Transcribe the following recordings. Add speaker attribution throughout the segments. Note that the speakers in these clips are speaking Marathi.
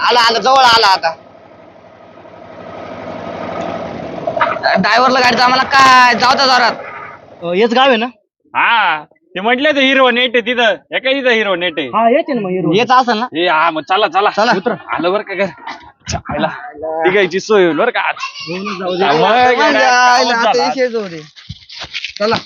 Speaker 1: आला आला जवळ आला आता. ड्रायव्हरला गाडीचा आम्हाला काय जाऊ द्या जोरात.
Speaker 2: हेच गाव आहे ना?
Speaker 3: हा ते म्हटलं तर हिरो नेट आहे तिथं एका तिथं हिरो नेट आहे.
Speaker 2: हा येते ना मग हिरो.
Speaker 1: येत असेल ना?
Speaker 3: हे हा मग चला चला
Speaker 1: चला.
Speaker 3: उतर. आलं बरं का घर चायला तिघायची सोय होईल बरं का आज.
Speaker 1: चला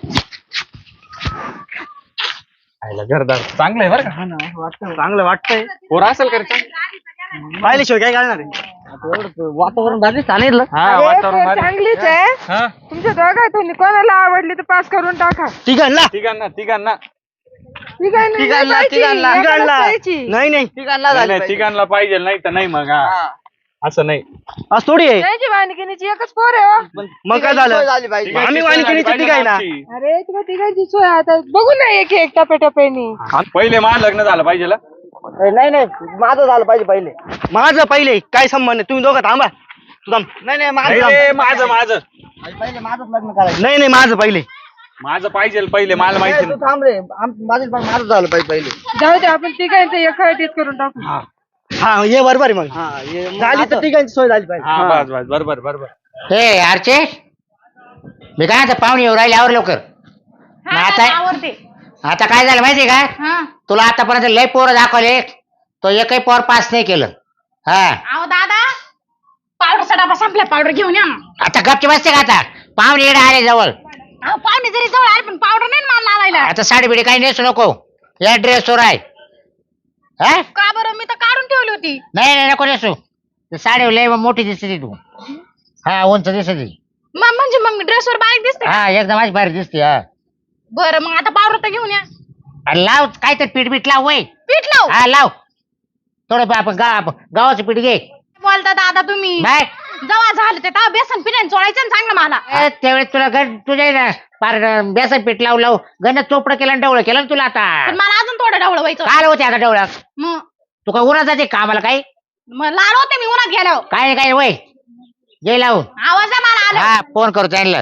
Speaker 3: घरदार चांगलं आहे बरं का.
Speaker 2: चांगलं वाटतंय.
Speaker 3: पोर असेल का रे?
Speaker 2: पाहिल्याशिवाय काय करणार आहे?
Speaker 1: वातावरण भारी सांगितलं.
Speaker 3: हा
Speaker 4: अरे,
Speaker 3: वातावरण
Speaker 4: पोर
Speaker 3: भारी.
Speaker 4: चांगलीच आहे.
Speaker 3: हा
Speaker 4: तुमच्या दोघांतून कोणाला आवडली तर पास करून टाका.
Speaker 2: तिघांना
Speaker 3: तिघांना तिघांना
Speaker 1: तिघांना, तिघांना.
Speaker 2: नाही नाही
Speaker 1: तिघांना
Speaker 3: नाही,
Speaker 1: झाली
Speaker 3: नाही,
Speaker 1: पाहिजे.
Speaker 3: तिघांना पाहिजे नाही तर नाही मग हा.
Speaker 1: हा.
Speaker 3: असं नाही.
Speaker 2: आज थोडी आहे.
Speaker 4: त्यांची वाणिकिनीची एकच पोर आहे हो.
Speaker 2: मग काय झालं?
Speaker 1: सोय झाली पाहिजे.
Speaker 3: तिघांची
Speaker 2: आम्ही
Speaker 3: सोय झाली
Speaker 2: वाणिकीनीची
Speaker 3: पाहिजे
Speaker 2: तिघं आहे ना.
Speaker 3: आमची.
Speaker 4: अरे तुला तिघांची सोय आता बघू ना एक एक टप्प्याटप्प्यानी.
Speaker 3: पहिले मा लग्न झालं पाहिजे ला.
Speaker 1: नाही नाही माझं झालं पाहिजे पहिले.
Speaker 2: माझं पहिले काय संबंध आहे? तुम्ही दोघं थांबा. तू थांब.
Speaker 1: नाही नाही
Speaker 3: नाही
Speaker 1: माझं
Speaker 3: रे, माझं माझं
Speaker 1: पहिले माझंच लग्न करायचं.
Speaker 2: नाही नाही माझं पहिले.
Speaker 3: माझं पाहिजे पहिले मला माहिती
Speaker 1: तू थांब रे माझं पण माझं झालं पाहिजे पहिले.
Speaker 4: जाऊ दे आपण तिघांचं एक करून टाकू.
Speaker 2: हा ये बरोबर आहे मग.
Speaker 1: हा
Speaker 2: झाली तर तिघांची सोय झाली पाहिजे.
Speaker 3: हा बस बस बरोबर बरोबर.
Speaker 5: हे अर्चे मी काय आता पाहुणे येऊ राहिले आवर लवकर. मग आता काय झालं माहितीये का? तुला आतापर्यंत लय पोरं दाखवले तो एकही पोर पास नाही केलं. हा
Speaker 6: अहो दादा पावडरचा डबा संपला पावडर घेऊन या ना.
Speaker 5: आता गपची बसते का? आता पाहुणे येणं आले जवळ.
Speaker 6: अहो पाहुणे जरी जवळ आले पण पावडर नाही ना मला लावायला.
Speaker 5: आता साडी बिडी काही नेसू नको. या ड्रेसवर आहे. हा
Speaker 6: का बरं मी तर काढून ठेवली होती.
Speaker 5: नाही नाही नको नेसू. ते साडी लय मोठी दिसते तू. हा उंच दिसते.
Speaker 6: म्हणजे मग ड्रेसवर बारीक दिसते.
Speaker 5: हा एकदम माझी भारी दिसते. हा
Speaker 6: बरं मग आता पावडर तर घेऊन या.
Speaker 5: अरे लाव काय तर पीठ बीठ लाव वय.
Speaker 6: पीठ लाव.
Speaker 5: हा लाव थोडं आपण गावाचं पीठ घे.
Speaker 6: बोलता दादा तुम्ही
Speaker 5: नाही
Speaker 6: जेव्हा झालं ते तेव्हा बेसन पिण्याने चोळायचं ना चांगलं मला.
Speaker 5: त्यावेळेस तुला तुझ्या ना पार बेसन पीठ लावू गण चोपडं केलं आणि डवळं केलं ना तुला आता.
Speaker 6: पण मला अजून थोडं ढवळं व्हायचं.
Speaker 5: काय होते आता डवळं?
Speaker 6: मग
Speaker 5: तू काय उन्हात जाते का आम्हाला काही?
Speaker 6: मग लाल होते मी उन्हात गेल्यावर.
Speaker 5: काय काय वय जे लावून
Speaker 6: आवाज आहे मला आला.
Speaker 5: हा फोन करू त्यांना.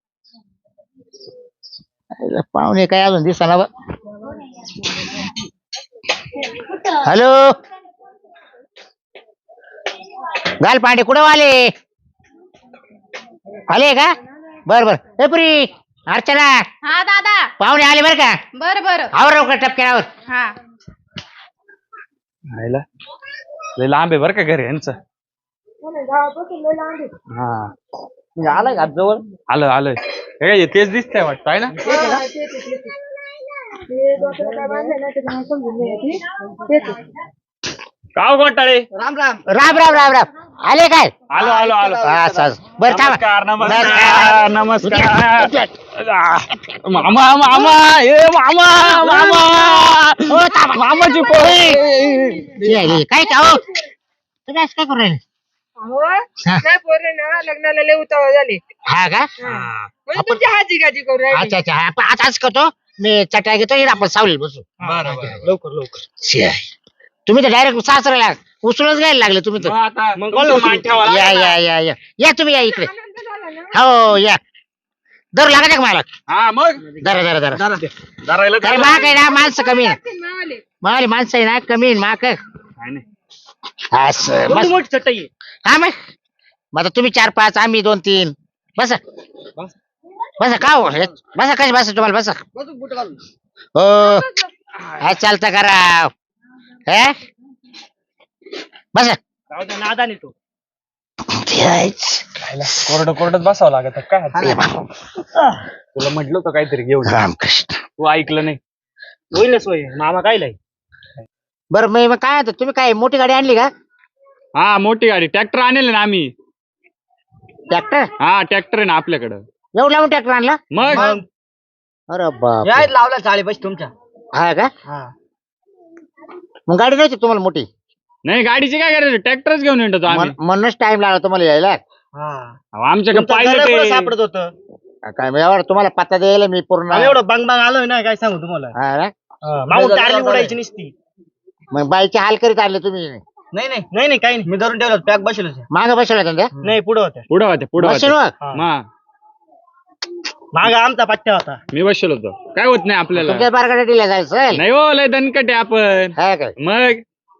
Speaker 5: पाहुणे काय अजून दिसना बा. हॅलो घाल पांडे कुठं आले? आले का? बर बर ए पुरी अर्चना
Speaker 6: हा दादा
Speaker 5: पाहुणे आले बर का?
Speaker 6: बरं बरं.
Speaker 5: आवर लवकर टपक्यावर.
Speaker 6: हा
Speaker 3: आईला लय लांब आहे बरं का घर यांचं. हा
Speaker 1: आलाय का जवळ?
Speaker 3: आलं आलं हे तेच दिसतंय वाटतं आहे ना. गाव घोटाळे.
Speaker 1: राम राम.
Speaker 5: राम राम राम राम आले काय?
Speaker 3: आलो आलो आलो.
Speaker 5: बरं
Speaker 3: नमस्कार
Speaker 5: थांबा.
Speaker 3: नमस्कार नमस्कार. मामा मामा ए मामा मामा
Speaker 5: हो, थांबा.
Speaker 3: मामाची पोरी.
Speaker 5: काय का हो तुम्ही असं काय करू राहिले?
Speaker 4: नाही पोरे ना लग्नाला लय उतावळ झाले.
Speaker 5: हा का?
Speaker 4: म्हणजे तुमची हाजी गाजी करू राहिली.
Speaker 5: अच्छा अच्छा आपण आता असं करतो मी चटया घेतो आणि आपण सावलीत बसू.
Speaker 2: लवकर लवकर.
Speaker 5: तुम्ही तर डायरेक्ट सासऱ्याला उचलूनच घ्यायला लागले तुम्ही तर.
Speaker 3: आता
Speaker 2: मग
Speaker 3: तुमचं मान ठेवा
Speaker 5: या
Speaker 3: लागेल ना.
Speaker 5: या या या या तुम्ही या इकडे.
Speaker 4: आनंद झाला ना.
Speaker 5: हो या दर लागायचं का मला?
Speaker 3: हा मग
Speaker 5: जरा जरा जरा
Speaker 3: धरायला
Speaker 5: अरे माग आहे ना माणसं कमी आहे.
Speaker 4: ते मावले.
Speaker 5: मला माणसं आहे ना कमी आहे माग.
Speaker 3: काय नाही.
Speaker 5: असं
Speaker 2: एवढी
Speaker 5: बस.
Speaker 2: मोठी चटई आहे.
Speaker 5: हा मग आता तुम्ही 4-5 आम्ही 2-3 बसा बसा का हो बसा कशी बसा तुम्हाला बसा.
Speaker 1: बसून बुट घालून.
Speaker 5: हो काय चालतं करा हे बसा.
Speaker 2: जाऊ दे, नादाने तो.
Speaker 3: कोरडत बसावं लागत काय तुला म्हटलं होतं काहीतरी घेऊन जा.
Speaker 5: रामकृष्ण.
Speaker 3: तू ऐकलं नाही.
Speaker 2: होईल ना सोय. मामा काय लाई?
Speaker 5: बरं मग काय आता तुम्ही काय मोठी गाडी आणली का?
Speaker 3: हा मोठी गाडी ट्रॅक्टर आणले ना आम्ही.
Speaker 5: ट्रॅक्टर
Speaker 3: हा ट्रॅक्टर आहे ना आपल्याकडं.
Speaker 5: एवढं लावून ट्रॅक्टर आणला?
Speaker 3: मग
Speaker 5: अरे बाप
Speaker 1: या लावला चाळी पैसे तुमच्या.
Speaker 5: हा का?
Speaker 1: हा
Speaker 5: मग गाडी नव्हती तुम्हाला मोठी?
Speaker 3: नाही गाडीची काय करायचं ट्रॅक्टरच घेऊन येतो आम्ही.
Speaker 5: म्हणूनच टाइम लागला तुम्हाला यायला.
Speaker 1: हा
Speaker 3: अहो, आमच्याकडे
Speaker 2: तुमचं घर
Speaker 3: पाहिलं
Speaker 2: कुठं
Speaker 3: ते.
Speaker 2: सापडत होतं?
Speaker 5: काय मी एवढं तुम्हाला पत्ता द्यायला मी पूर्ण.
Speaker 2: आणि एवढं बंग बंग आलोय ना काय सांगू तुम्हाला.
Speaker 5: हा ना?
Speaker 2: मागून टारली उडायची नसती.
Speaker 5: मग बाईचे हाल करीत आणले तुम्ही.
Speaker 1: नाही नाही
Speaker 2: नाही नाही काही नाही.
Speaker 1: मी धरून ठेवलं पॅक बसलो.
Speaker 5: मागं बसवला त्यांच्या
Speaker 2: नाही पुढे होत्या.
Speaker 3: पुढं होते पुढं होते.
Speaker 5: बसलो
Speaker 2: हा. माग आमचा पट्ट्या होता.
Speaker 3: मी बसलो होतो काय होत नाही आपल्याला.
Speaker 5: तुमच्या बारगाड्या दिल्या जायचं
Speaker 3: नाही हो लय दणकट आहे आपण.
Speaker 5: हा काय?
Speaker 3: मग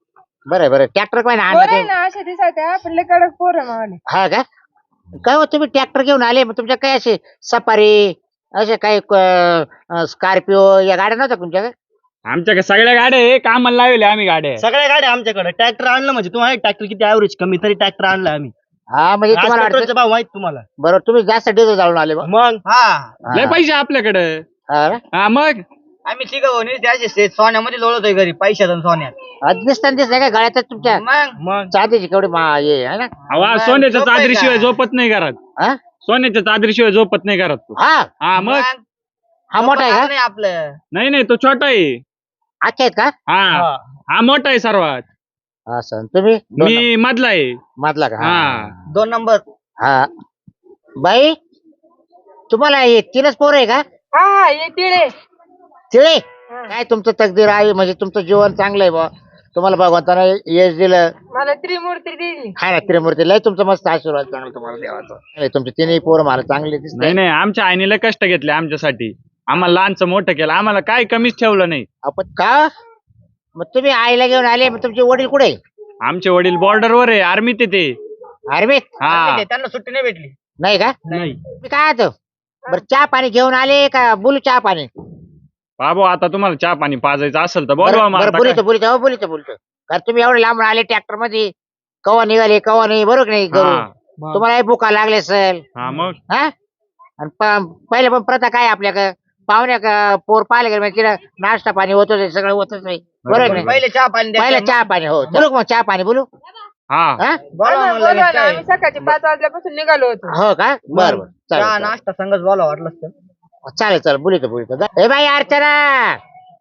Speaker 5: बरं ट्रॅक्टर काय ना
Speaker 4: पोरं
Speaker 5: आणलं
Speaker 4: आहे
Speaker 5: ते?
Speaker 4: ना अशा दिसायच्या पण लय कडक पोरं मावले.
Speaker 5: हा का काय हो तुम्ही ट्रॅक्टर घेऊन आले मग तुमच्या काय असे सफारी असे काही स्कॉर्पिओ या गाड्या नव्हत्या तुमच्याकडे?
Speaker 3: आमच्याकडे सगळ्या गाड्या आहे कामाला लावले आम्ही गाड्या
Speaker 2: सगळ्या गाड्या आमच्याकडे ट्रॅक्टर आणलं म्हणजे तुम्हाला ट्रॅक्टर किती ऍव्हरेज कमी तरी ट्रॅक्टर आणलं आम्ही
Speaker 5: हा म्हणजे
Speaker 2: आज
Speaker 5: तुम्हाला
Speaker 2: पेट्रोलचा
Speaker 5: वाटतं
Speaker 2: भाव माहित तुम्हाला
Speaker 5: बरोबर तुम्ही जास्त डिझेल जाळून आले बा.
Speaker 2: मग
Speaker 1: हा
Speaker 3: लय पैसे आपल्याकडे
Speaker 5: हा ना?
Speaker 3: हा मग
Speaker 1: आम्ही तिघ त्याचे सोन्यामध्ये लोळतोय घरी पैशात आणि सोन्यात
Speaker 5: आज दिसताना दिसतंय का गळ्यातच तुमच्या
Speaker 1: मग
Speaker 2: मग
Speaker 5: चांदीची केवढी हे आहे ना
Speaker 3: अवा
Speaker 1: मग
Speaker 3: सोन्याच्या
Speaker 1: झोप आहे
Speaker 3: चादरीशिवाय
Speaker 1: का?
Speaker 3: झोपत नाही घरात
Speaker 5: हा
Speaker 3: सोन्याच्या चादरीशिवाय झोपत नाही घरात तू
Speaker 5: हा
Speaker 3: हा मग
Speaker 5: हा मोठा आहे
Speaker 1: नाही आपलं
Speaker 3: नाही नाही तो छोटा आहे
Speaker 5: का अच्छा आहेत का
Speaker 3: हा हा मोठा आहे सर्वात
Speaker 5: असं तुम्ही दोन
Speaker 3: मी मधला आहे
Speaker 5: नंबर. मधला का
Speaker 3: हा
Speaker 1: 2 नंबर
Speaker 5: हा बाई तुम्हाला हे तीनच पोरं आहे का
Speaker 4: हा हा ये तिळे.
Speaker 5: तिळे काय तुमचं तकदीर आहे म्हणजे तुमचं जीवन चांगलं आहे बा तुम्हाला भगवंतानं यश दिलं
Speaker 4: मला त्रिमूर्ती दिली.
Speaker 5: हा ना त्रिमूर्ती लय तुमचं मस्त आशीर्वाद चांगलं तुम्हाला देवाचं नाही, तुमचे तिन्ही पोरं मला चांगले दिसत
Speaker 3: नाही नाही आमच्या आईने कष्ट घेतले आमच्यासाठी आम्हाला लहानचं मोठं केलं आम्हाला काय कमीच ठेवलं नाही
Speaker 5: आपण का मग तुम्ही आईला घेऊन आले मग तुमचे वडील कुठे
Speaker 3: आमचे वडील बॉर्डरवर आहे आर्मीत आहे ते
Speaker 5: आर्मीत
Speaker 3: हा
Speaker 1: त्यांना सुट्टी नाही भेटली
Speaker 5: नाही का
Speaker 3: नाही
Speaker 5: मी काय होतं बरं चहा पाणी घेऊन आले का बोलू चहा पाणी
Speaker 3: बाबू आता तुम्हाला चहा पाणी पाजायचं असेल तर बोलवा मग आता
Speaker 5: बोलतो
Speaker 3: काय.
Speaker 5: बोलतो कारण तुम्ही एवढे लांबून आले ट्रॅक्टर मध्ये कवा निघाले कवा नाही बरोबर नाही
Speaker 3: हा
Speaker 5: घरून तुम्हाला भुका लागले सर
Speaker 3: हा मग
Speaker 5: हा आणि पहिले पण प्रथा काय आपल्याकडे पाहुण्या पोर पाहिले गेले म्हणजे तिला नाश्ता पाणी होतच सगळं होतच नाही बरोबर नाही
Speaker 1: पहिले चहा पाणी
Speaker 5: पहिले
Speaker 1: द्यायचं.
Speaker 5: चहा पाणी हो बोलू का मग चहा पाणी बोलू
Speaker 3: हा
Speaker 5: हा
Speaker 1: बोलवा
Speaker 4: आम्ही
Speaker 1: मग
Speaker 4: बोलवा
Speaker 1: लगेच
Speaker 4: ना,
Speaker 1: काय.
Speaker 4: आम्ही सकाळची 5 वाजल्यापासून निघालो होतो.
Speaker 5: हो का बरं बरं
Speaker 1: चहा
Speaker 5: चालेल
Speaker 1: नाश्ता संगच बोला वाटलं तर
Speaker 5: चालेल बोलतो हे बाई अर्चना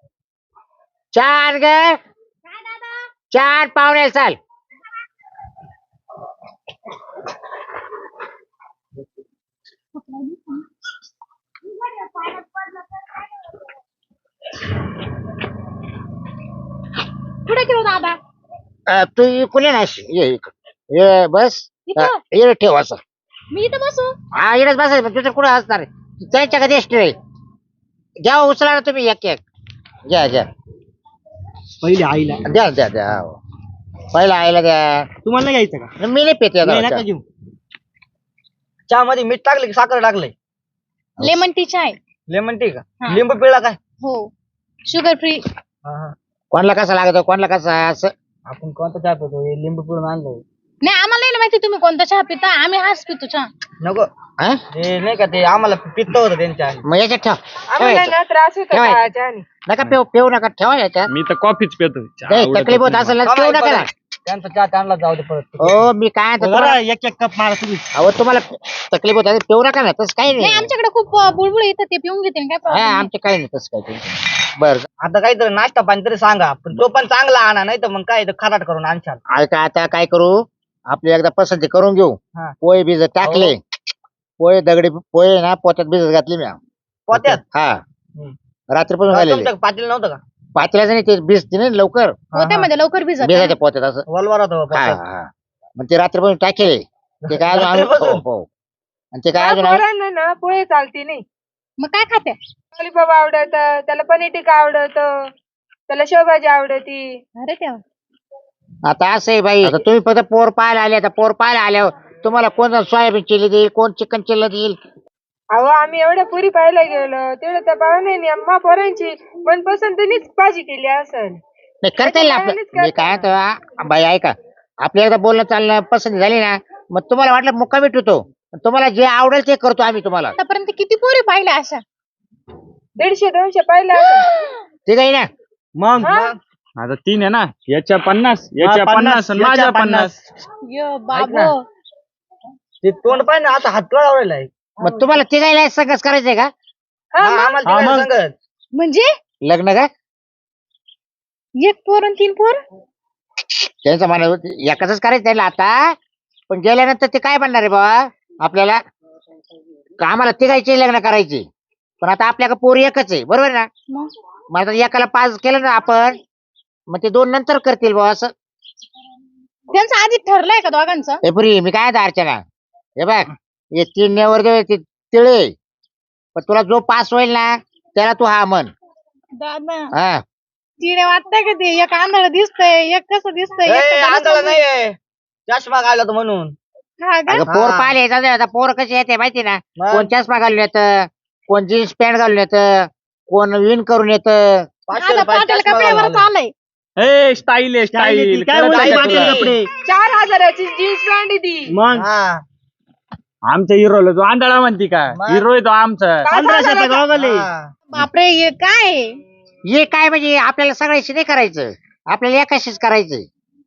Speaker 5: चहा आण ग चहा आण पाहुणे चाल
Speaker 6: कुठे गेलो दादा
Speaker 5: तू कुणी ना ये बस
Speaker 6: इथं?
Speaker 5: ये ठेव असं
Speaker 6: मी इथं बसू
Speaker 5: हा इकडेच बसायचं पण तुझं कुठं असणार त्यांच्या कधी एसटी घ्या उचला ना तुम्ही एक घ्या
Speaker 2: पहिले आईला
Speaker 5: द्या हो. पहिला आईला द्या
Speaker 2: तुम्हाला नाही घ्यायचं का
Speaker 5: मी नाही पेते
Speaker 2: नाही नका घेऊ
Speaker 1: चहा मध्ये मीठ टाकलं की साखर टाकलंय
Speaker 6: लेमन टी चाय
Speaker 1: लेमन टी का
Speaker 6: हा.
Speaker 1: लिंबू पिळा काय
Speaker 6: हो शुगर फ्री
Speaker 5: कोणाला कसा लागतो कोणाला कसा असं
Speaker 1: आपण कोणता चहा पितो हे लिंबू पिळून आणलंय
Speaker 6: नाही आम्हाला नाही ना माहिती तुम्ही कोणता चहा पिता आम्ही हाच पितो चहा
Speaker 1: नको
Speaker 5: हा?
Speaker 1: ते नाही का ते आम्हाला पित्त होतं त्यांच्या
Speaker 5: मग याच्यात ठेव
Speaker 4: आम्हाला ना त्रास होतो
Speaker 5: ठेवायचं.
Speaker 4: चहाच्या आणि.
Speaker 5: नका पेऊ नका ठेवा याच्यात
Speaker 3: मी तर कॉफीच पितो चहा
Speaker 5: नाही
Speaker 3: आवडतच
Speaker 5: तकलीफ होत
Speaker 3: नाही
Speaker 5: असेल ना
Speaker 1: मला.
Speaker 5: पेऊ नका ना.
Speaker 1: त्यांचा चहा त्यांना जाऊ दे परत
Speaker 5: हो मी काय म्हणतो
Speaker 2: जरा
Speaker 5: तुम्हाला-
Speaker 2: एक कप मारा तुम्ही
Speaker 5: अहो तुम्हाला तकलीफ होत असेल पेऊ नका ना तसं काही
Speaker 6: नाही
Speaker 5: नाही
Speaker 6: आमच्याकडे खूप बुळबुळ येतं ते पिऊन घेते काय
Speaker 5: हा
Speaker 6: प्रॉब्लेम
Speaker 5: आमचे काही नाही तसं काही बरं
Speaker 1: आता काहीतरी नाश्ता पाणी तरी सांगा पण तो पण चांगला आणा नाही तर मग काय ते खराट करून आणशाल
Speaker 5: ऐका आता काय करू आपली एकदा पसंती करून घेऊ
Speaker 1: हा.
Speaker 5: पोहे भिजत टाकले पोहे दगडी पोहे ना पोत्यात भिजत घातली मी
Speaker 1: पोत्यात
Speaker 5: हा
Speaker 1: हम्म.
Speaker 5: रात्रीपासून झालेले
Speaker 1: तुमच्या पाटील नव्हतं का
Speaker 5: पातेल्याचं नाही ते भिजते ना लवकर
Speaker 6: पोत्यामध्ये लवकर भिजत
Speaker 5: भिजायच्या पोत्यात असं
Speaker 1: वलवार होतं
Speaker 5: हा
Speaker 1: पोत्यात.
Speaker 5: हा मग ते रात्रीपासून टाकेले ते काय अजून आम्ही-
Speaker 1: रात्रीपासून?
Speaker 5: हो हो आणि ते काय
Speaker 4: त्या
Speaker 5: अजून आम्ही-
Speaker 4: पोरांना ना पोहे चालती नाही.
Speaker 6: मग काय खाते
Speaker 4: लॉलीपॉप आवडत त्याला पनीर टिक्का आवडत त्याला शेवभाजी आवडती.
Speaker 6: अरे तेव्हा
Speaker 5: आता असं आहे बाई आता तुम्ही फक्त पोर पाहायला आले आता पोर पाहायला आल्यावर तुम्हाला कोण सोयाबीन चिल्ली देईल कोण चिकन चिल्ली देईल
Speaker 4: अहो आम्ही एवढ्या पुरी पाहायला गेलो तेवढं त्या पाहुण्यानी अम्मा पोरांची मनपसंतीनीच भाजी केली असेल.
Speaker 5: नाही करता येईल ना आपलं मी काय म्हणतो, बाई ऐका आपल्या एकदा बोलणं चालणं पसंत झाली ना मग तुम्हाला वाटलं मुक्का भेटतो तुम्हाला जे आवडेल ते करतो आम्ही तुम्हाला
Speaker 6: आतापर्यंत किती पोरी पाहिल्या अशा
Speaker 4: 150-200 पाहिलं असेल.
Speaker 5: ठीक आहे ना
Speaker 2: मग
Speaker 3: आता 3 आहे ना याच्या 50 याच्या 50 आणि माझ्या 50
Speaker 6: यो बाबो
Speaker 1: ते तोंड पाहिजे आता हात कळावलेला आहे
Speaker 5: मग तुम्हाला तिघायला संघच करायचंय का
Speaker 4: हा,
Speaker 1: हा,
Speaker 4: मग.
Speaker 1: आम्हाला
Speaker 2: हा,
Speaker 1: तिघांना
Speaker 2: मग.
Speaker 1: सांगत
Speaker 6: म्हणजे
Speaker 5: लग्न का
Speaker 6: एक पोर आणि 3 पोर
Speaker 5: त्यांचं म्हणा एकाच करायचं त्याला आता पण गेल्यानंतर ते काय म्हणणार आहे बाबा आपल्याला का आम्हाला तिघायचे लग्न करायचे पण आता आपल्याकडे पोरी एकच आहे बरोबर ना
Speaker 6: मग
Speaker 5: मग आता एकाला 5 केलं ना आपण मग ते 2 नंतर करतील बाबा असं
Speaker 6: त्यांचं आधी ठरलंय का दोघांचं
Speaker 5: हे पुरी मी काय म्हणतो अर्चना हे बघ हे 3 नेवर दे ते तिळे पण तुला जो पास होईल ना त्याला तू हा म्हण
Speaker 6: दादा
Speaker 5: हा
Speaker 6: चिडे वाटतंय का ते एक आंधळ दिसतंय एक कसं दिसतंय एक तर
Speaker 1: आंधळा नाहीये चष्मा घालला तो म्हणून
Speaker 6: हा का?
Speaker 5: अगं पोर
Speaker 1: हा.
Speaker 5: पाहिले आता पोर कशी येते माहिती ना
Speaker 1: मग?
Speaker 5: कोण चष्मा घालून येतं कोण जीन्स पॅन्ट घालून येतं कोण विन करून येतं
Speaker 1: 500
Speaker 6: माझा
Speaker 1: रुपयाचा
Speaker 6: पाटील
Speaker 1: चष्मा
Speaker 6: कपड्यावर
Speaker 1: घालून
Speaker 6: चालय
Speaker 2: ए स्टाईल आहे स्टाईल
Speaker 3: काय बोलते पाटील कपडे
Speaker 4: 4000ची जीन्स पॅन्ट आहे ती
Speaker 3: मग
Speaker 1: हा
Speaker 2: आमच्या हिरोला तो आंधळा म्हणती का
Speaker 1: मग?
Speaker 2: हिरो आहे तो आमचा
Speaker 3: 1500 गॉगल आहे.
Speaker 1: हा.
Speaker 6: बापरे हे काय आहे?
Speaker 5: हे काय म्हणजे आपल्याला सगळ्याशी नाही करायचं आपल्याला एकाशीच करायचं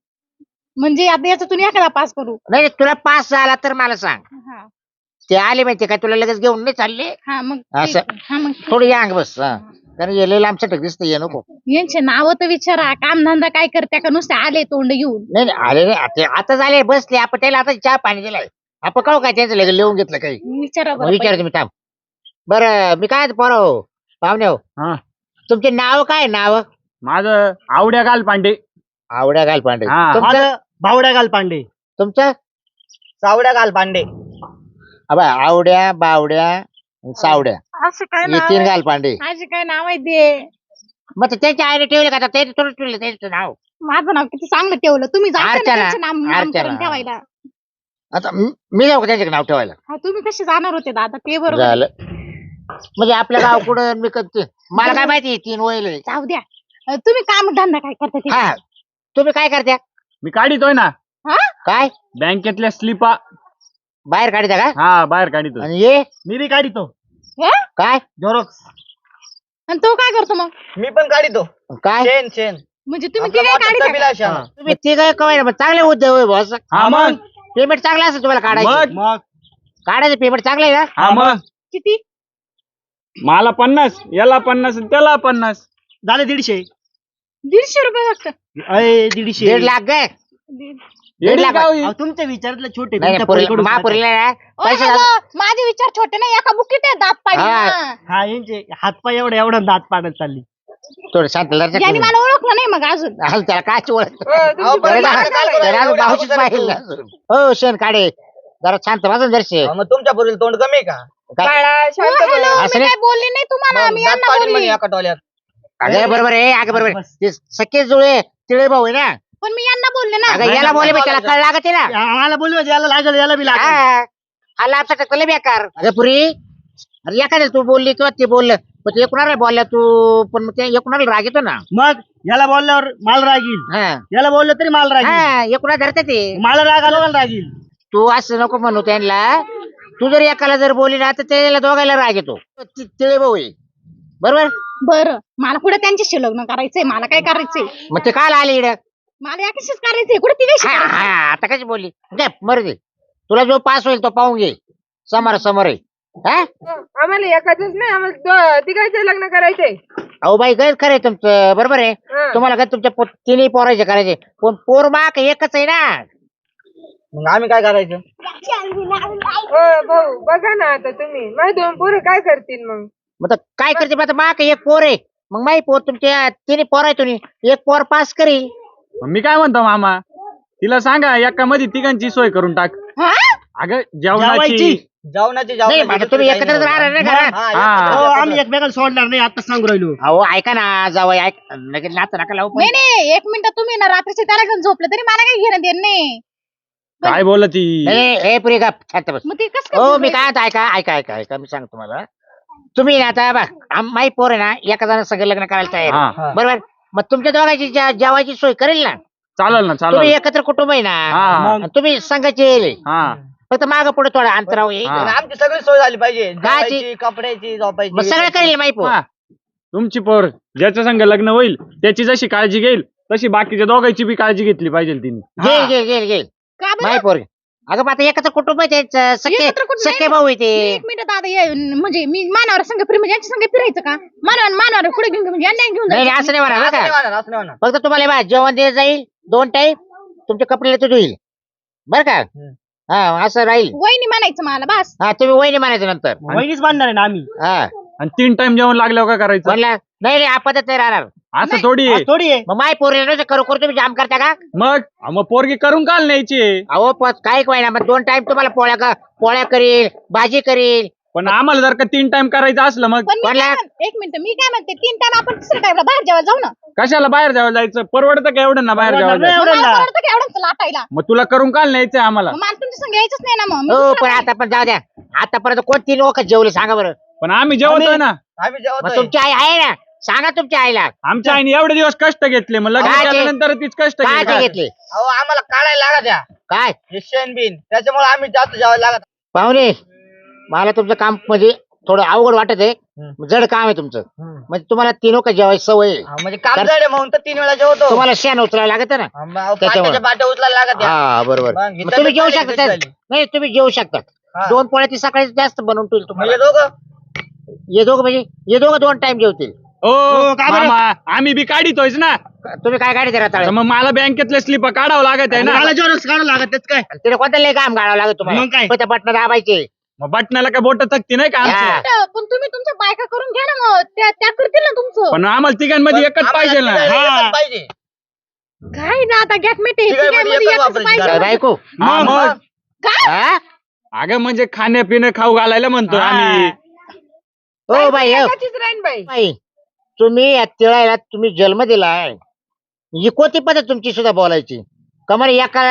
Speaker 6: म्हणजे आता याच्यातून एखादा पास करू
Speaker 5: नाही तुला पास झाला तर मला सांग
Speaker 6: हा
Speaker 5: ते आले माहिती का तुला लगेच घेऊन नाही चालले
Speaker 6: हा मग
Speaker 5: असं.
Speaker 6: ठीक आहे. हा मग
Speaker 5: थोडी अंग बस हा कारण ये लांबचं टक दिसतं ये नको
Speaker 6: यांचे नाव तर विचारा कामधंदा काय करत्या का नुसते आले तोंड घेऊन
Speaker 5: नाही नाही, आले नाही आता झाले बसले आपण त्याला आता चहा पाणी दिलाय आपण काव काय त्यांचं लगेच लिहून घेतलं काही
Speaker 6: विचारा
Speaker 5: मग
Speaker 6: बरं
Speaker 5: विचार तुम्ही थांब बरं मी काय पोरं हो पाहुणे हो
Speaker 2: हा
Speaker 5: तुमचे नाव काय नाव
Speaker 2: माझं आवड्या गाल पांडे
Speaker 5: आवड्या घाल पांडे
Speaker 2: हा.
Speaker 5: तुमचं
Speaker 3: माझं भावड्या घाल पांडे
Speaker 5: तुमचं
Speaker 1: सावड्या घाल पांडे
Speaker 5: अबा आवड्या बावड्या आणि सावड्या
Speaker 6: असं काय
Speaker 5: हे
Speaker 6: नाव
Speaker 5: तीन
Speaker 6: आहे?
Speaker 5: घाल पांडे
Speaker 6: माझे काय नाव आहे ते
Speaker 5: मग ते त्यांच्या आईने ठेवले का आता ते थोडं ठेवलं त्यांचं नाव
Speaker 6: माझं नाव किती चांगलं ठेवलं तुम्ही जाता ना
Speaker 5: अर्चना,
Speaker 6: त्यांचे नामकरण
Speaker 5: अर्चना.
Speaker 6: ठेवायला
Speaker 5: आता मी जाऊ का त्यांच्याकडे नाव ठेवायला
Speaker 6: हा तुम्ही कसे जाणार होते दादा ते बरोबर
Speaker 5: झालं म्हणजे आपलं गाव कुठं मी करते मला काय माहिती तीन वयल
Speaker 6: जाऊ द्या तुम्ही काम धंदा काय करता ते
Speaker 5: हा तुम्ही काय करत्या
Speaker 2: मी काढितोय ना
Speaker 6: हा
Speaker 5: काय
Speaker 2: बँकेतल्या स्लिपा
Speaker 5: बाहेर काढता का
Speaker 2: हा बाहेर काढितोय
Speaker 5: आणि ये
Speaker 3: मी बी काढितो
Speaker 6: हे?
Speaker 5: काय
Speaker 3: झेरॉक्स
Speaker 6: आणि तो काय करतो मग
Speaker 1: मी पण काढितो
Speaker 5: काय
Speaker 1: शेण शेण
Speaker 6: म्हणजे तुम्ही
Speaker 1: आपला
Speaker 6: ते काय
Speaker 1: मोठा
Speaker 6: काढता
Speaker 1: तबीला
Speaker 6: का?
Speaker 1: शेण.
Speaker 5: तुम्ही ते काय कवाय ना चांगले उद्योग होय बॉस
Speaker 2: हा मग
Speaker 5: पेमेंट चांगलं असेल तुम्हाला काढायचं
Speaker 2: मग
Speaker 3: मग
Speaker 5: काढायचं पेमेंट चांगलं आहे ना
Speaker 2: हा मग
Speaker 6: किती
Speaker 2: मला 50 याला 50 त्याला 50
Speaker 3: झाले 150
Speaker 6: 150 फक्त
Speaker 3: अय 150
Speaker 5: 1.5 लाख काय
Speaker 2: येडी
Speaker 5: लाख.
Speaker 2: गाव ही.
Speaker 3: अहो, तुमच्या विचारातले छोटे
Speaker 5: नाही
Speaker 3: तुमच्या पोरीकडून
Speaker 5: महापुरीला ना
Speaker 6: ओ,
Speaker 5: पैसे
Speaker 6: हॅलो, माझे विचार छोटे नाही एका बुकीत आहे दात पाडी
Speaker 5: हा.
Speaker 6: हा.
Speaker 3: हा यांचे हातपाय एवढा दात पाडत चालली
Speaker 5: थोडं शांत लढत
Speaker 6: यांनी मला ओळखलं नाही मग अजून
Speaker 5: त्याला काय ओळख
Speaker 1: अहो, पण
Speaker 5: त्याला
Speaker 1: माझं काय करायचं? एवढे
Speaker 5: भाऊचीच
Speaker 1: अगोदर
Speaker 5: पाहिजे
Speaker 1: तू.
Speaker 5: हो शेण काढे जरा शांत वाजून जरशे
Speaker 1: अहो, मग तुमच्या पोरीला तोंड कमी आहे का
Speaker 5: काय
Speaker 4: बाळा
Speaker 6: ओ,
Speaker 4: शांत बस.
Speaker 6: हॅलो,
Speaker 5: असं
Speaker 6: मी
Speaker 5: नाही.
Speaker 6: काय बोलली नाही तुम्हाला
Speaker 1: मग
Speaker 6: मी
Speaker 1: दात
Speaker 6: यांना
Speaker 1: पाडीन म्हणे
Speaker 6: बोलली
Speaker 1: एका टोल्यात
Speaker 5: अगं बरोबर आहे अगं बरोबर आहे.
Speaker 3: बस.
Speaker 5: ते सख्खे जुळे तिळे भाऊ आहे ना
Speaker 6: पण मी यांना बोलले ना
Speaker 5: अगं याला बोले त्याला कळ लागते ना
Speaker 3: मला बोलू याला लागल याला बी लागल
Speaker 5: हा. हा लाभचा टक्कल बेकार अगं पुरी अरे एखाद्या तू बोलली किंवा ते बोललं पण ते कुणाला बोलला तू पण मग ते एकूणाला राग येतो ना
Speaker 3: मग याला बोलल्यावर माल रागील
Speaker 5: हा
Speaker 3: याला बोललं तरी माल रागील
Speaker 5: हा एकूणा धरते ते
Speaker 3: मला राग आला मला रागील
Speaker 5: तू असं नको म्हणू त्यांना तू जर एकाला जर बोलली ना तर त्याला दोघायला राग येतो तिळे भाऊ आहे बरोबर
Speaker 6: बरं मला पुढे त्यांच्याशी लग्न करायचंय मला काय करायचंय
Speaker 5: मग ते काल आले इकडं
Speaker 6: मला याच्याशीच करायचंय कुठे तिघाशी
Speaker 5: हा
Speaker 6: करायचंय?
Speaker 5: हा आता कशी बोलली काय मरू दे तुला जो पास होईल तो पाहून घे समोर समोर आहे हा
Speaker 4: आम्हाला एकाच नाही आम्हाला तिघायचं लग्न करायचंय
Speaker 5: अहो बाई गैर खरंय तुमचं बरोबर आहे
Speaker 4: हं.
Speaker 5: तुम्हाला काय तुमच्या तिन्ही पोरायचे करायचे पण पोर माक एकच आहे ना
Speaker 1: मग आम्ही काय करायचं
Speaker 4: भाऊ बघा ना आता तुम्ही माझे दोन पोरं काय करतील मग
Speaker 5: मग आता काय करते मग आता माक एक पोर आहे मग माही पोर तुमच्या तिन्ही पोर आहे तुम्ही एक पोर पास करील
Speaker 2: मी काय म्हणतो मामा तिला सांगा एका मध्ये तिघांची सोय करून टाक
Speaker 6: हा?
Speaker 2: अगं जेवणाची
Speaker 3: जेवायची.
Speaker 1: जेवणाची
Speaker 5: नाही मग आता तुम्ही एकत्रच राहणार नाही घरात
Speaker 2: हा.
Speaker 3: हो आम्ही एकमेकाला सोडणार नाही आता सांगू राहिलो
Speaker 5: अहो ऐका ना जावं ऐक लगेच नातं नका लावू पण.
Speaker 6: नाही नाही एक मिनिट तुम्ही ना रात्रीचे त्याला घेऊन झोपले तरी मला काही घेणं देणं नाही
Speaker 2: काय बोलत ती
Speaker 5: ए पुरी का शांत बस
Speaker 6: मग ते कसं
Speaker 5: हो
Speaker 6: काय
Speaker 5: मी काय आता ऐका ऐका ऐका ऐका मी सांगतो तुम्हाला तुम्ही ना आता बघ माही पोर आहे ना एका जण सगळं लग्न करायला तयार आहे.
Speaker 2: हा
Speaker 5: बरोबर मग तुमच्या दोघांची जेवायची सोय करेल ना
Speaker 2: चालेल ना
Speaker 5: तुम्ही
Speaker 2: चालेल
Speaker 5: एकत्र कुटुंब आहे ना
Speaker 2: हा
Speaker 5: आणि तुम्ही संघाचे येईल
Speaker 2: हा
Speaker 5: फक्त माग पुढे थोडा अंतराव येईल
Speaker 2: हा.
Speaker 1: आणि आमची सगळी सोय झाली पाहिजे
Speaker 5: काची?
Speaker 1: जेवायची, कपड्याची झोपायची
Speaker 5: मग सगळं करेल माही पोर
Speaker 2: हा. तुमची पोर ज्याच्या संग लग्न होईल त्याची जशी काळजी घेईल तशी बाकीच्या दोघांची बी काळजी घेतली पाहिजे तिने
Speaker 5: घेईल घेईल घेईल घेईल
Speaker 6: का बरं?
Speaker 5: माही पोर अगं मग आता एकत्र कुटुंब आहे ते सख्खे
Speaker 6: एकत्र कुटुंब
Speaker 5: सख्खे
Speaker 6: नाही.
Speaker 5: भाऊ आहे ते
Speaker 6: एक मिनिट दादा म्हणजे मी मानावर संघ म्हणजे यांच्या संघ फिरायचं का मानावर पुढे घेऊन म्हणजे यांना घेऊन
Speaker 5: नाही
Speaker 6: जायचं
Speaker 5: नाही, असं नाही म्हणा
Speaker 1: असं
Speaker 5: बरं
Speaker 1: नाही
Speaker 5: का
Speaker 1: होणार, असं नाही होणार.
Speaker 5: फक्त तुम्हाला बा जेवण दिलं जाईल 2 टाईम तुमचे कपडे तो धुईल बरं का हा असं राहील
Speaker 6: वहिनी म्हणायचं मला बस
Speaker 5: हा तुम्ही वहिनी म्हणायचं नंतर
Speaker 3: वहिनीच बांधणार आहे ना आम्ही
Speaker 5: हा
Speaker 2: आणि 3 टाइम जेवण लागल्यावर काय करायचं
Speaker 5: म्हणला नाही नाही आपतच नाही राहणार
Speaker 2: असं थोडी
Speaker 3: आज
Speaker 2: आहे
Speaker 3: थोडी आहे
Speaker 5: मग माय पोरीला करू करू तुम्ही जाम करता का
Speaker 2: मग पोरगी करून काल न्यायची
Speaker 5: अहो काय काय ना मग 2 टाइम तुम्हाला पोळ्या करील भाजी करील
Speaker 2: पण आम्हाला जर का 3 टाइम करायचं असलं मग
Speaker 6: पण एक मिनिट मी काय म्हणते 3 टाइम आपण तिसऱ्या टाइमला बाहेर जेवायला जाऊ ना.
Speaker 2: कशाला बाहेर जायला जायचं? परवडतं का एवढं ना बाहेर जेवायला जायचं?
Speaker 6: मग मला परवडतं का एवढंच लाटायला?
Speaker 2: मग तुला करून काल न्यायचंय आम्हाला.
Speaker 6: मग मला तुमच्या संग यायचंच नाही ना मग. मी
Speaker 5: हो
Speaker 6: दुसऱ्या
Speaker 5: पण
Speaker 6: बाहेर-
Speaker 5: आता पण जाऊ द्या. आतापर्यंत कोणती लोक जेवले सांगा बरं.
Speaker 2: पण आम्ही जेवतोय ना.
Speaker 1: आम्ही
Speaker 5: मग
Speaker 1: जेवतोय.
Speaker 5: तुमची आई आहे ना, सांगा तुमच्या आईला
Speaker 2: आमच्या आईने एवढे दिवस कष्ट घेतले, मग लग्न
Speaker 5: काय ते?
Speaker 2: केल्यानंतर तीच कष्ट
Speaker 5: काय
Speaker 2: घेतली.
Speaker 5: घेतले
Speaker 1: अहो आम्हाला काढायला लागत द्या
Speaker 5: काय
Speaker 1: हे शेण त्याच्यामुळे आम्ही जास्त जेवायला लागत.
Speaker 5: पाहुणे. मला तुमचं काम म्हणजे थोडं अवघड वाटत आहे. जड काम आहे तुमचं. म्हणजे तुम्हाला 3 लोक जेवायची सवय आहे.
Speaker 1: म्हणजे काम जड आहे म्हणून तर 3 वेळा जेवतो.
Speaker 5: तुम्हाला शेण उचलायला लागत ना.
Speaker 1: पाट्याच्या बाट्या उचलायला लागत द्या.
Speaker 5: हा बरोबर.
Speaker 1: मग
Speaker 5: मग
Speaker 1: इथं
Speaker 5: तुम्ही
Speaker 1: तर
Speaker 5: जेवू
Speaker 1: काय
Speaker 5: शकता
Speaker 1: घेतलं
Speaker 5: त्यात. नाही तुम्ही जेवू शकता.
Speaker 1: हा.
Speaker 5: 2 पोळ्या ती सकाळी जास्त बनवून ठेवली
Speaker 1: म्हणजे
Speaker 5: तुम्हाला.
Speaker 1: दोघं
Speaker 5: हे दोघं म्हणजे हे दोघं 2 टाइम जेवतील.
Speaker 2: ओ मामा, आम्ही बी काढितोयच ना.
Speaker 5: तुम्ही काय गाडी देणार
Speaker 2: तर मग मला बँकेतले स्लिप काढावं लागत आहे ना.
Speaker 3: काढावं लागत त्याच काय
Speaker 5: तिने कोणतं लय काम काढावं लागत
Speaker 3: मग काय?
Speaker 5: तुम्हाला. त्या बटन दाबायचे.
Speaker 2: मग बटनाला काय बोट थकती नाही का आमची?
Speaker 5: हा.
Speaker 6: पण तुम्ही तुमच्या बायका करून घ्या ना मग. त्या करतील ना तुमचं.
Speaker 2: पण आम्हाला तिघांमध्ये एकच पाहिजे ना.
Speaker 1: एकच पाहिजे.
Speaker 6: काय ना आता गॅट मिटे
Speaker 1: तिघांमध्ये एकच वापरायची
Speaker 6: पाहिजे
Speaker 5: काय
Speaker 6: ना.
Speaker 5: बायको
Speaker 2: हा, मग
Speaker 6: काय
Speaker 5: हा?
Speaker 2: अगं म्हणजे खाण्यापिणं खाऊ घालायला म्हणतो आम्ही.
Speaker 5: हो बाई हो.
Speaker 4: एकाचीच राहीन बाई.
Speaker 5: बाई तुम्ही या तिळायला तुम्ही जन्म दिलाय. ही कोणती पद्धत तुमची सुद्धा बोलायची? कमर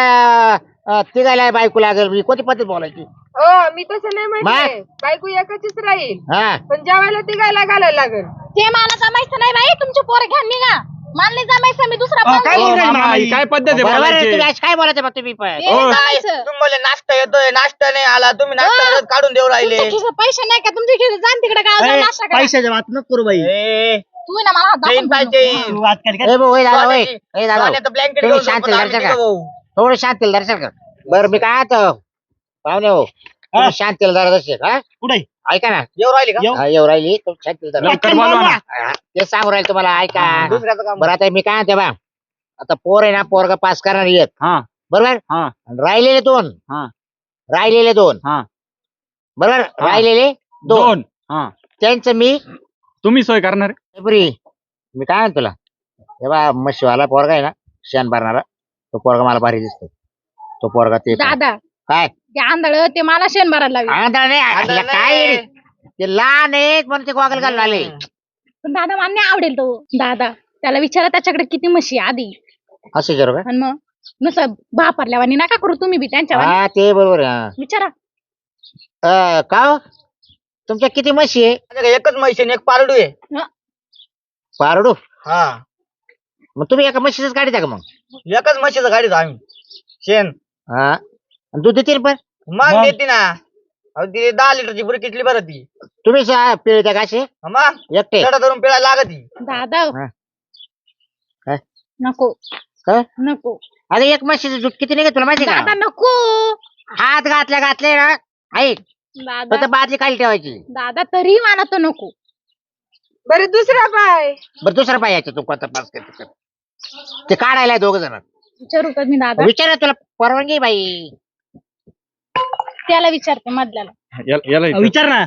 Speaker 5: एका तिघायला बायको लागेल, ही कोणती पद्धत बोलायची?
Speaker 4: हो मी तसं नाही म्हणते. बायको एकाचीच राहील
Speaker 5: हा
Speaker 4: पण जेवायला तिघायला घालायला लागेल.
Speaker 6: ते मला जमायचं नाही बाई. तुमचे पोरं घ्या निघा. मला नाही जमायचं. मी दुसरा पाहून
Speaker 3: काय
Speaker 6: घेईन.
Speaker 3: बोलताय
Speaker 2: मामा,
Speaker 3: मामा?
Speaker 2: ही काय पद्धत आहे
Speaker 5: बरोबर आहे.
Speaker 2: बोलायची?
Speaker 5: तुम्ही आज काय बोलायचं मग तुम्ही पण?
Speaker 6: ते नाही जमायचं.
Speaker 1: तुम्ही बोलले नाश्ता येतोय, नाश्ता नाही आला, तुम्ही नाश्ता काढून देऊ राहिले.
Speaker 6: तुमच्या खिशात पैसे नाही का? तुमच्या खिशात जाण तिकडे गावात जाऊन नाश्ता करा.
Speaker 3: पैशाच्या बात नको करू बाई.
Speaker 1: ए,
Speaker 6: तू आहे ना मला हात दाखवून
Speaker 1: ट्रेन पाहिजे.
Speaker 6: देऊ नको.
Speaker 3: तू वाद कर
Speaker 5: ए भाऊ, होय दादा होय.
Speaker 1: सोन्याची-
Speaker 5: ए दादा
Speaker 1: सोन्याचं ब्लँकेट
Speaker 5: तुम्ही
Speaker 1: घेऊन
Speaker 5: शांत
Speaker 1: झोपू, आम्ही
Speaker 5: दर्शन का?
Speaker 1: तिघं भाऊ.
Speaker 5: थोडं शांतील दर्शन कर. बरं मी काय आता पाहुणे हो तुम्ही शांतील जरा दर्शक. हा
Speaker 3: कुठे
Speaker 5: ऐका ना.
Speaker 1: येऊ राहिले का?
Speaker 3: येऊ.
Speaker 5: हा, येऊ राहिली तुम्ही शांतील जरा.
Speaker 2: लवकर बोलवा ना.
Speaker 5: हा, ते सांगू राहील तुम्हाला. ऐका
Speaker 1: दुसऱ्याचं काम.
Speaker 5: बरं आता मी काय म्हणते बा, आता पोर आहे ना, पोरगा पास करणार एक
Speaker 2: हा
Speaker 5: बरोबर.
Speaker 2: हा
Speaker 5: आणि राहिलेले 2.
Speaker 2: हा
Speaker 5: राहिलेले 2
Speaker 2: हा
Speaker 5: बरोबर.
Speaker 2: हा.
Speaker 5: राहिलेले 2
Speaker 2: दोन. हा
Speaker 5: त्यांचं मी
Speaker 2: तुम्ही सोय करणार आहे?
Speaker 5: बरी. मी काय म्हणतो तुला, हे बा मशीवाला पोरगा आहे ना, शेण भरणारा, तो पोरगा मला भारी दिसतो. तो पोरगा ते
Speaker 6: दादा
Speaker 5: काय
Speaker 6: ते आंधळ ते मला शेण भरायला लागले.
Speaker 5: आंधळा नाही,
Speaker 1: आंधळा
Speaker 5: असलं काय
Speaker 1: नाही.
Speaker 5: ते लहान आहेत म्हणून ते गॉगल घालून आले.
Speaker 6: पण दादा मला नाही आवडेल तो. दादा त्याला विचारा त्याच्याकडे किती म्हशी आहे आधी.
Speaker 5: असं जर
Speaker 6: आणि मग नुसतं बापरल्यावानी नका करू तुम्ही बी त्यांच्यावर.
Speaker 5: हा ते बरोबर आहे, हा.
Speaker 6: विचारा.
Speaker 5: का हो? तुमच्या किती म्हशी आहे?
Speaker 1: माझ्याकडे एकच म्हैस आहे आणि एक पारडू आहे.
Speaker 5: पारडू.
Speaker 1: हा
Speaker 5: मग तुम्ही एका म्हशीच गाडी द्या का मग?
Speaker 1: एकच म्हशीचं गाडीच आम्ही शेण.
Speaker 5: हा आणि दूध देतील पण
Speaker 1: मग देते ना. अहो ती 10 लिटरची पुरी किटली बरं ती.
Speaker 5: तुम्ही पिळत्या का असे
Speaker 1: मग
Speaker 5: एकटे?
Speaker 1: चढा धरून पिळायला लागत ती.
Speaker 6: दादा
Speaker 5: हा. काय?
Speaker 6: नको
Speaker 5: काय?
Speaker 6: नको
Speaker 5: अरे एक म्हशीचं दूध किती निघत तुला माहिती
Speaker 6: दादा
Speaker 5: का?
Speaker 6: नको.
Speaker 5: हात घातले ना ऐक
Speaker 6: दादा
Speaker 5: फक्त बादली खाली ठेवायची.
Speaker 6: दादा तरी मला तो नको.
Speaker 4: बरं दुसरा पाय.
Speaker 5: बरं दुसरा पाहिजे तू कोणता पास करते ते काढायला 2 जण.
Speaker 6: विचारू का मी दादा?
Speaker 5: विचारा तुला परवानगी बाई.
Speaker 6: त्याला विचारते मधल्याला.
Speaker 2: याला इथं.
Speaker 3: विचार ना.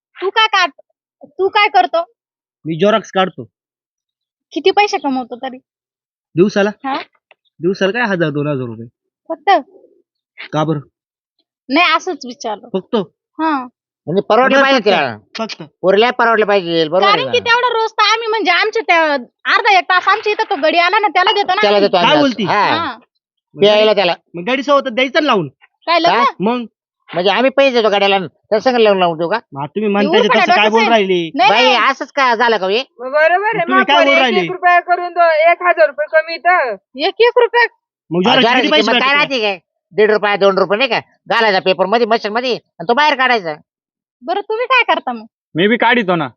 Speaker 6: तू काय करतो?
Speaker 3: मी जोरक्स काढतो
Speaker 6: किती पैसे कमवतो तरी?
Speaker 3: दिवसाला.
Speaker 6: हा
Speaker 3: दिवसाला काय 1000-2000 रुपये.
Speaker 6: फक्त
Speaker 3: का बरं?
Speaker 6: नाही असंच विचारलं.
Speaker 3: फक्त
Speaker 6: हा
Speaker 5: म्हणजे परवडलं पाहिजे तिला.
Speaker 3: फक्त
Speaker 5: पोरीला परवडलं पाहिजे बरोबर
Speaker 6: कारण की
Speaker 5: आहे ना?
Speaker 6: तेवढं रोज तर आम्ही म्हणजे आमच्या त्या अर्धा 1 तास आमच्या इथं तो गडी आला ना त्याला देतो ना
Speaker 5: त्याला
Speaker 6: आम्ही.
Speaker 5: देतो
Speaker 3: काय
Speaker 5: आम्ही
Speaker 3: बोलती?
Speaker 5: असं. हा
Speaker 6: हा.
Speaker 5: प्यायला त्याला.
Speaker 3: मग गाडी सोबत द्यायचं ना लावून.
Speaker 6: काय लग्न?
Speaker 5: काय?
Speaker 3: मग
Speaker 5: म्हणजे आम्ही पैसे देतो गाड्याला त्या संग लावून देऊ का?
Speaker 3: तुम्ही म्हणताय ते तसं काय बोल राहिले.
Speaker 6: नाही
Speaker 5: बाई
Speaker 6: नाही.
Speaker 5: असंच का झालं का हे?
Speaker 4: मग बरोबर आहे.
Speaker 3: तुम्ही
Speaker 4: मग
Speaker 3: काय बोलू
Speaker 4: पण
Speaker 3: राहिले?
Speaker 4: 1 रुपया करून 1000 रुपये कमी तर
Speaker 6: 1 रुपये.
Speaker 3: मग जोराचे
Speaker 5: हजाराची
Speaker 3: किती पैसे
Speaker 5: किंमत काय
Speaker 3: भेटतात?
Speaker 5: राहते काय? 1.5 रुपये 2 रुपये नाही का घालायचा पेपर मध्ये मशीन मध्ये आणि तो बाहेर काढायचा.
Speaker 6: बरं तुम्ही काय करता मग?
Speaker 2: मी बी काढितो ना.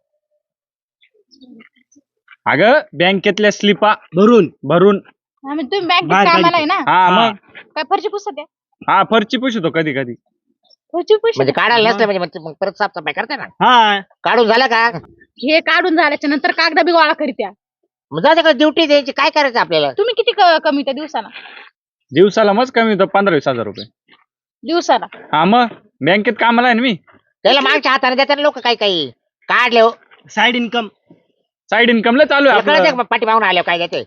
Speaker 2: अगं बँकेतल्या स्लिपा
Speaker 3: भरून
Speaker 2: भरून.
Speaker 6: आम्ही तुम्ही बँकेत
Speaker 3: बाहेर
Speaker 6: कामाला आहे ना?
Speaker 2: हा मग
Speaker 6: काय फरची पुसत आहे?
Speaker 2: हा फरची पुसतो कधी कधी.
Speaker 6: फरची पुसत
Speaker 5: म्हणजे काढायला नसलं म्हणजे मग परत साफसफाई करते ना.
Speaker 3: हा
Speaker 5: काढून झालं का
Speaker 6: हे काढून झाल्याच्या नंतर कागदा बी गोळा करीत्या.
Speaker 5: मग जाऊ दे का ड्युटी द्यायची काय करायचं आपल्याला.
Speaker 6: तुम्ही किती कमी त्या दिवसाला?
Speaker 2: दिवसाला मग कमी होतं 15-20 हजार रुपये.
Speaker 6: दिवसाला
Speaker 2: हा मग बँकेत कामाला आहे ना मी.
Speaker 5: त्याला मागच्या हाताने देतात लोक काही काही काढले हो.
Speaker 3: Side income.
Speaker 2: साईड इन्कमला चालू आहे
Speaker 5: कळत
Speaker 2: आपलं.
Speaker 5: पाठी मागून आले काय देते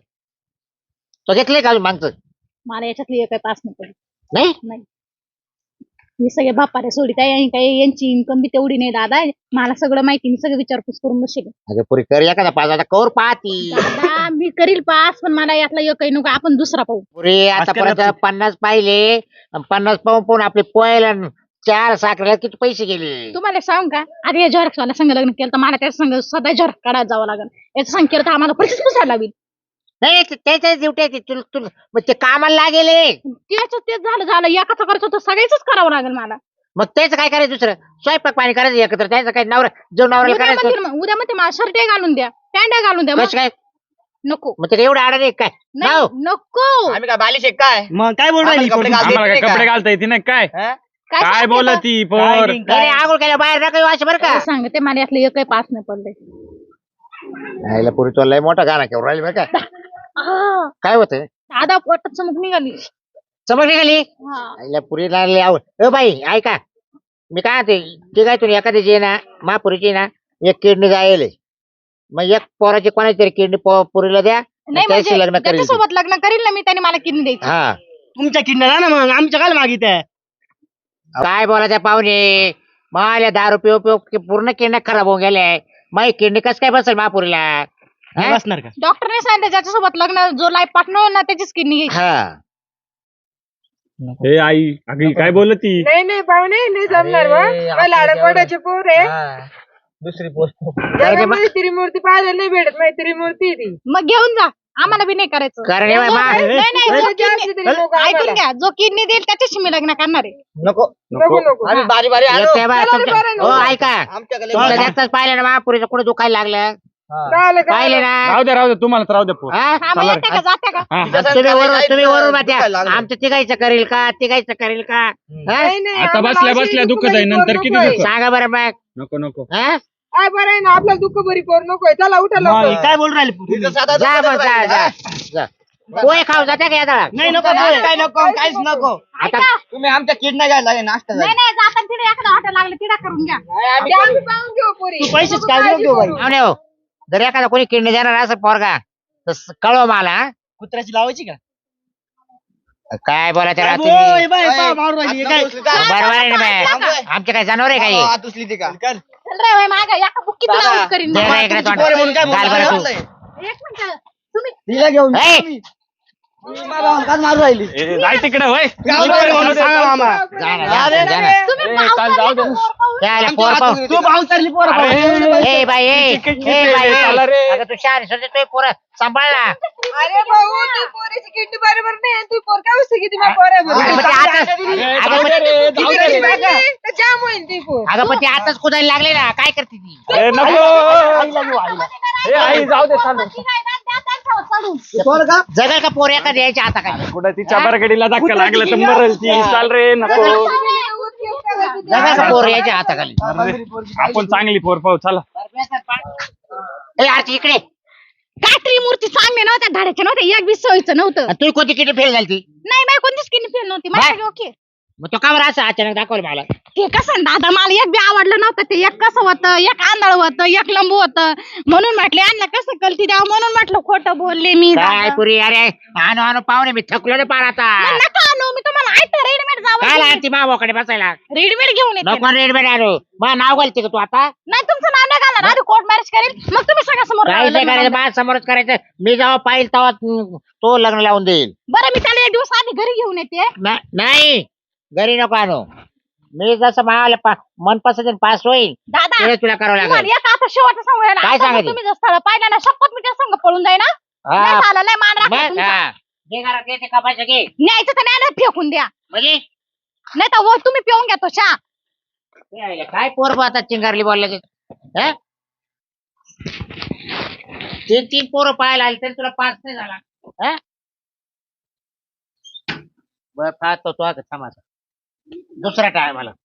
Speaker 5: तो घेतले का मागचं
Speaker 6: मला याच्यातली एक पास नको.
Speaker 5: नाही
Speaker 6: नाही मी सगळे बापारे सोडित आहे काही यांची इन्कम बी तेवढी नाही दादा मला सगळं माहिती मी सगळं विचारपूस करून बसेल
Speaker 5: अगं पुरी कर एखादा पास आता कौर पाहती
Speaker 6: दादा मी करील पास पण मला यातला एक नको आपण दुसरा पाहू
Speaker 5: पुरी आतापर्यंत 50 पाहिले 50 पाहून आपले पोहायला 4 साखरेला किती पैसे गेले
Speaker 6: तुम्हाला सांग का अरे झरक्स वाला संघ लग्न केलं तर मला त्याच्या संघ सदा झरक काढायला जावं लागेल याचं संघ केलं तर आम्हाला पैसेच पुसायला लागेल
Speaker 5: नाही त्याच्याच ड्युटी मग ते कामाला लागेल
Speaker 6: त्याच तेच झालं एकाचं करायचं तर सगळ्याच करावं लागेल मला
Speaker 5: मग त्याचं काय करायचं दुसरं स्वयंपाक पाणी करायचं एकत्र त्याचं काय नवरा जो नवऱ्याला करायचं
Speaker 6: उद्या मध्ये मला शर्ट घालून द्या पॅन्ट घालून द्या
Speaker 5: कसं काय
Speaker 6: नको
Speaker 5: मग ते एवढं आडाने काय
Speaker 6: नाही,
Speaker 5: नाव?
Speaker 6: नको
Speaker 1: आम्ही काय बालिश आहे काय
Speaker 3: मग काय बोल राहिली
Speaker 1: आम्हाला कपडे घालता
Speaker 2: आम्हाला
Speaker 1: येत
Speaker 2: काय
Speaker 1: नाही
Speaker 2: कपडे
Speaker 1: का?
Speaker 2: घालता येते ना काय
Speaker 1: हा?
Speaker 2: काय
Speaker 6: सांगते
Speaker 2: बोलत
Speaker 6: तो?
Speaker 2: ती पोर
Speaker 5: नाही, नाही, आंघोळ केल्या बाहेर नका येऊ असं बरं का
Speaker 6: सांगते मला यातलं एकही पास नाही पडले
Speaker 5: यायला पुरी तो लय मोठा गाणं केवढं राहिली बरं का काय होतं
Speaker 6: दादा पोटात चमक निघाली
Speaker 5: समज निघाली
Speaker 6: हा.
Speaker 5: आईला पुरी लागली आवड बाई ऐका मी काय ते काय तुम्ही एखाद्याची आहे ना महापुरीची ना एक किडनी जायले मग एक पोराची कोणाची तरी किडनी पुरीला द्या
Speaker 6: नाही
Speaker 5: त्याशी
Speaker 6: म्हणजे
Speaker 5: लग्न करेल ती.
Speaker 6: त्याच्यासोबत लग्न करील ना मी त्याने मला किडनी द्यायची
Speaker 5: हा
Speaker 3: तुमच्या किडनॅप ना मग आमच्या काय मागित आहे
Speaker 5: काय बोलायचं पाहुणे मला दारू पिऊ पूर्ण किडनी खराब होऊन गेले मग किडनी कसं काय बसेल महापुरीला हा?
Speaker 3: बसणार का
Speaker 6: डॉक्टरने सांगितलं ज्याच्यासोबत लग्न जो लाईफ पार्टनर ना त्याचीच किडनी घ्यायची
Speaker 5: हा
Speaker 2: हे आई अगं काय बोलत ती
Speaker 4: नाही पाहुणे नाही जमणार बा
Speaker 1: अरे,
Speaker 4: मला लाडकोडाचे पोर आहे
Speaker 1: हा. दुसरी पोस्ट
Speaker 4: जगामध्ये त्रिमूर्ती पाहायला नाही भेटत नाही त्रिमूर्ती आहे ती
Speaker 6: मग घेऊन जा आम्हाला बी नाही करायचं
Speaker 5: कारण हे
Speaker 6: जो-
Speaker 5: मा-
Speaker 6: नाही, नाही, जो
Speaker 4: म्हणजे
Speaker 6: kidney-
Speaker 4: असली तरी नको
Speaker 6: ऐकून
Speaker 4: आम्हाला.
Speaker 6: घ्या जो किडनी देईल त्याच्याशी मी लग्न करणार आहे
Speaker 1: नको
Speaker 4: नको
Speaker 1: आम्ही बारी बारी आलो
Speaker 5: येते बा
Speaker 4: चला रे,
Speaker 5: तुमच्या-
Speaker 4: बरं ना.
Speaker 5: हो ऐका
Speaker 1: आमच्याकडे
Speaker 5: तुमचं जास्तच पाहिलं ना महापुरीचं कुठे दुखायला लागलं पाहिले ना
Speaker 2: राहू द्या तुम्हाला तर राहू द्या पोर
Speaker 5: हा?
Speaker 6: हा, मग येते का जाते का
Speaker 2: हा.
Speaker 5: तुम्ही वरून बात्या
Speaker 1: दुखायला लागलं.
Speaker 5: आमचं तिघायचं करेल का तिघायचं करेल का हा?
Speaker 4: नाही, नाही,
Speaker 2: आता
Speaker 4: आम्हाला
Speaker 2: बसल्या
Speaker 4: अशी
Speaker 2: बसल्या दुःख
Speaker 4: दुःख
Speaker 2: जाईल
Speaker 4: भरी
Speaker 2: नंतर
Speaker 4: पोर
Speaker 2: किती
Speaker 4: नकोय.
Speaker 2: दुःख
Speaker 5: सांगा बरं मग
Speaker 2: नको
Speaker 5: हा?
Speaker 4: काय बरं आहे ना आपल्याला दुःख भरी पोर नकोय चला उठा
Speaker 3: मग
Speaker 4: लवकर
Speaker 3: काय बोल राहिली
Speaker 1: तिथं साधा
Speaker 5: जा
Speaker 1: दुसरं
Speaker 5: मग जा
Speaker 1: राहील,
Speaker 5: जा
Speaker 1: हा?
Speaker 5: जा. पोहे खाऊ जाते का या
Speaker 3: नाही नको
Speaker 1: काय नको काहीच नको
Speaker 5: आता
Speaker 1: तुम्ही आमच्या किडना घ्यायला लागेल नाश्ता
Speaker 6: नाही नाही जाताना तिथे एखादा हॉटेल लागलं तिला करून घ्या
Speaker 4: ते आम्ही पाहून घेऊ पोरी
Speaker 3: तू पैसेच
Speaker 4: नको
Speaker 3: काय
Speaker 4: काळजी
Speaker 3: घेऊ बाई.
Speaker 4: करू.
Speaker 5: पाहुणे हो जर एखादा कोणी किडनी देणार असं पोरगा तर कळव मला हा?
Speaker 3: कुत्र्याची लावायची का
Speaker 5: काय बोला त्याला
Speaker 3: ओय,
Speaker 5: तुम्ही
Speaker 3: बाई,
Speaker 1: ओय,
Speaker 3: पहा, मारून राहिली.
Speaker 1: हात
Speaker 3: काय
Speaker 1: नको उचलू, जा.
Speaker 5: बरोबर आहे ना
Speaker 1: थांब,
Speaker 5: बाई?
Speaker 1: ओय.
Speaker 5: आमचे काय जनावर आहे काही
Speaker 1: हात उचली ती का
Speaker 3: कर.
Speaker 6: चल रे होय मागं एका बुक्कीत
Speaker 1: दादा,
Speaker 6: लावून करीन
Speaker 5: दे
Speaker 6: मी.
Speaker 5: ना इकडे तोंड.
Speaker 1: पोरं म्हणून काय
Speaker 5: घाल बरं
Speaker 1: बोलला?
Speaker 5: तू.
Speaker 6: एक मिनिट तुम्ही
Speaker 3: तिला घेऊन
Speaker 5: ए,
Speaker 3: काय मारू राहिली
Speaker 2: जाय तिकडे होय
Speaker 3: म्हणून सांगा मामा
Speaker 5: जा ना, जा ना, जा ना.
Speaker 6: तुम्ही
Speaker 2: ए,
Speaker 6: पाव
Speaker 2: चाल, जाऊ दे.
Speaker 6: चालले का पोर पाहून?
Speaker 5: त्याला पोर पाहू.
Speaker 3: तू भाऊ चालली पोरं
Speaker 2: अरे,
Speaker 3: पाहू.
Speaker 5: ए बाई ए बाई
Speaker 2: चला रे.
Speaker 5: अगं तू शहाणी सोडते तू पोरं सांभाळ ना
Speaker 4: अरे भाऊ तू पोरीची किडनी बरोबर नाही तू पोर काय वस्तू किती पोर आहे बरं.
Speaker 5: अगं पण ते आताच अगं पण-
Speaker 4: किती कशी लागली? तर जाम होईल ती पोर
Speaker 5: अगं पण ते आताच कुदायला लागले ना काय करते ती
Speaker 2: ए, नको
Speaker 3: आईला घेऊ आईला
Speaker 2: ए, आई जाऊ दे चालू
Speaker 6: ती काय ना, त्या त्यांच्यावर चढून.
Speaker 3: पोरं का
Speaker 5: जगल का पोर एका द्यायच्या आता काय
Speaker 2: कुठं तिच्या बरगडीला धक्का लागला तर मरल ती चाल रे नको
Speaker 5: जगल का पोर यायच्या हाताखाली
Speaker 2: अरे, आपण चांगली पोर पाहू चला
Speaker 5: ए आरती इकडे
Speaker 6: काय त्रिमूर्ती चांगले नव्हत्या धाड्याच्या नव्हत्या एक बी सोयीचं नव्हतं
Speaker 5: आणि तू कोणती किती फेल झाली ती
Speaker 6: नाही बाई कोणतीच किडनी फेल नव्हती माझ्या ओके
Speaker 5: मग तो का बरं असं अचानक दाखवलं मला
Speaker 6: ते कसं दादा मला एक बी आवडलं नव्हतं ते एक कसं होतं एक आंधळ होतं एक लंबू होतं म्हणून म्हटले आणलं कसं कलती द्यावं म्हणून म्हटलं खोटं बोलले मी
Speaker 5: काय
Speaker 6: दादा.
Speaker 5: पुरी अरे आणू आणू पाहुणे मी थकलो ना पार आता
Speaker 6: मग नका आणू मी तुम्हाला ऐकतं रेडीमेड
Speaker 5: काय
Speaker 6: जावं
Speaker 5: लागते मावाकडे बसायला
Speaker 6: रेडीमेड घेऊन येते
Speaker 5: नको रेडमेड आणू मग नाव घालते का तू आता
Speaker 6: नाही तुमचं नाव नाही घालणार आधी कोर्ट मॅरेज करेल मग तुम्ही सगळ्या समोर
Speaker 5: काय नाही
Speaker 6: लग्न
Speaker 5: करायचं
Speaker 6: लावून
Speaker 5: माझ्या समोरच करायचं मी जेव्हा पाहिल तेव्हा तो लग्न लावून देईल
Speaker 6: द्या. बरं मी त्याला एक दिवस आधी घरी घेऊन येते
Speaker 5: नाही घरी नको आणू मी जसं मला मनपसंत पास होईल
Speaker 6: दादा
Speaker 5: तेच तुला करावं
Speaker 6: तुम्हाला
Speaker 5: लागेल
Speaker 6: एक आता शेवटचं सांगूया
Speaker 5: काय
Speaker 6: आता
Speaker 5: सांगायचं?
Speaker 6: तुम्ही जर स्थळ पाहिलं ना शपथ मी त्या संग पळून जाईन ना
Speaker 5: हा.
Speaker 6: नाही झालं नाही मान राखला
Speaker 5: मग
Speaker 6: तुमचा.
Speaker 5: हा. घे घरात घे ते कपायचं घे
Speaker 6: न्यायचं तर नाही फेकून द्या
Speaker 5: म्हणजे
Speaker 6: नाही तर वर तुम्ही पिऊन घ्या तो चहा
Speaker 5: यायला काय पोर पाहतात चिंगारली बोलला तीन तीन पोरं पाहायला आली तरी तुला पास नाही झाला हा? बरं पाहतो तो आता थांब आता. दुसरा टायमाला